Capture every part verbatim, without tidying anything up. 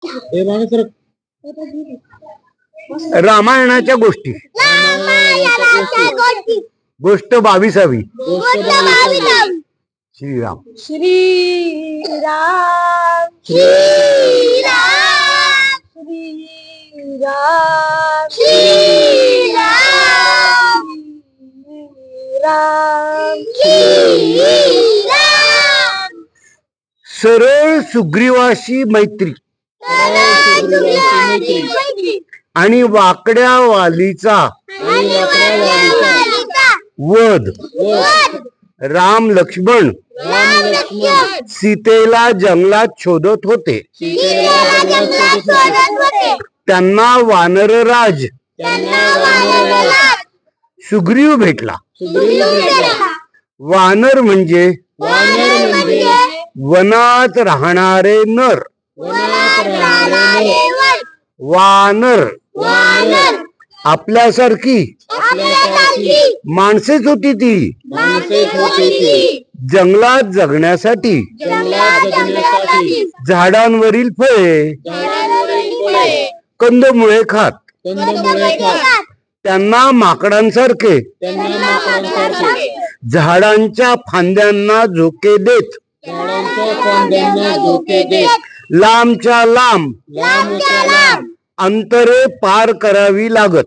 रामायणाच्या गोष्टी गोष्ट बावीसावी श्रीराम श्रीराम श्रीराम श्रीराम श्रीराम श्रीराम सरळ सुग्रीवाशी मैत्री आणि वाकड्या वालीचा वध. राम लक्ष्मण सीतेला जंगलात शोधत होते. त्यांना वानरराज सुग्रीव भेटला. वानर म्हणजे वनात राहणारे नर. वानर आपल्यासारखी माणसेच होती ती. जंगलात जगण्यासाठी झाडांवरील फळे कंदमुळे खात. त्यांना माकडांसारखे झाडांच्या फांद्यांना झोके देत लांबच्या लांब अंतरे पार करावी लागत.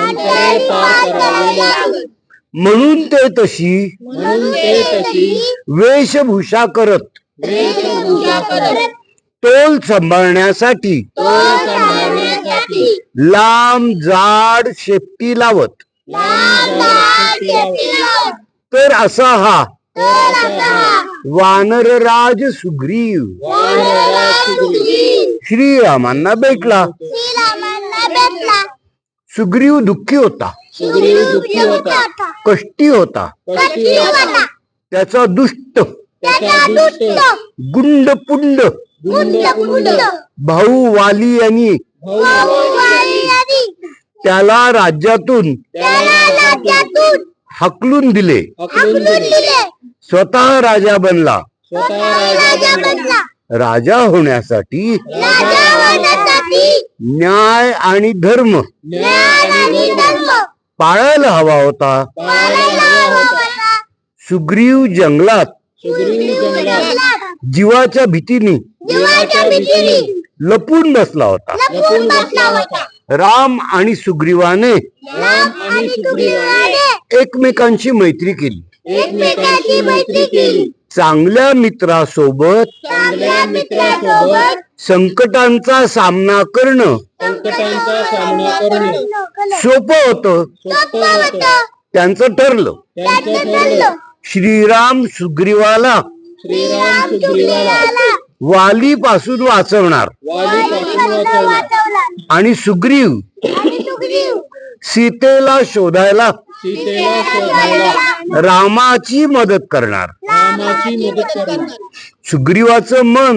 म्हणून ते तशी वेशभूषा करत तोल सांभाळण्यासाठी लांब जाड शेपटी लावत. तर असा हा वानरराज सुग्रीव श्रीरामांना भेटला. सुग्रीव दुःखी होता, कष्टी होता. त्याचा दुष्ट गुंडपुंड भाऊ वाली यांनी त्याला राज्यातून हकलून दिले. स्वतः राजा बनला. राजा होण्यासाठी न्याय आणि धर्म पाळायला हवा होता. सुग्रीव जंगलात जीवाच्या भीतीने लपून बसला होता. राम आणि सुग्रीवाने एकमेकांची मैत्री केली. चांगल्या मित्रासोबत संकटांचा सामना करणं सोपं होतं. त्यांचं ठरलं. श्रीराम सुग्रीवाला वाली पासून वाचवणार आणि सुग्रीव सीतेला शोधायला रामाची मदत करणार. सुग्रीवाचं मन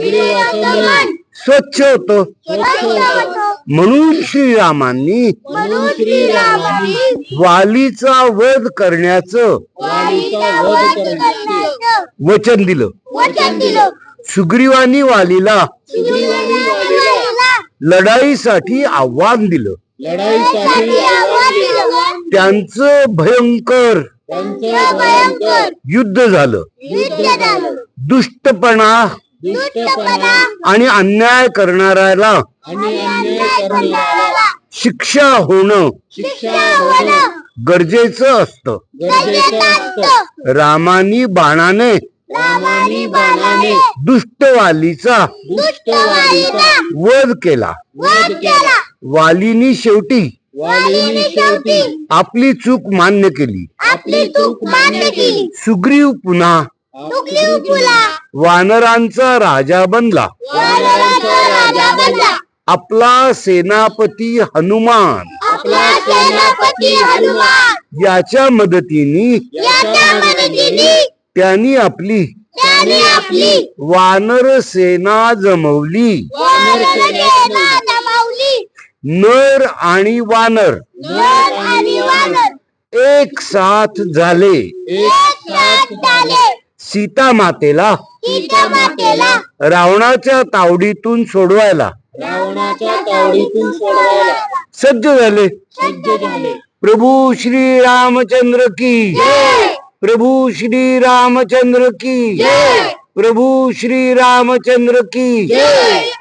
स्वच्छ होत. म्हणून श्रीरामांनी वालीचा वध करण्याचं वचन दिलं. सुग्रीवानी वालीला लढाईसाठी आव्हान दिलं. त्यांचं भयंकर युद्ध झालं. दुष्टपणा आणि अन्याय करणाऱ्याला शिक्षा होणं गरजेचं असतं. रामानी बाणाने दुष्टवालीचा वध केला. वालीनी शेवटी आपली चूक मान्य केली. सुग्रीव पुन्हा वानरांचा राजा बनला. आपला सेनापती हनुमान याच्या मदतीने त्यांनी आपली वानर सेना जमवली. नर आणि वानर एक साथ झाले. सीता मातेला रावणाच्या तावडीतून सोडवायला रावणाच्या तावडीतून सोडवायला सज्ज झाले. सज्ज झाले. प्रभू श्री रामचंद्र की प्रभू श्री रामचंद्र की प्रभू श्री रामचंद्र की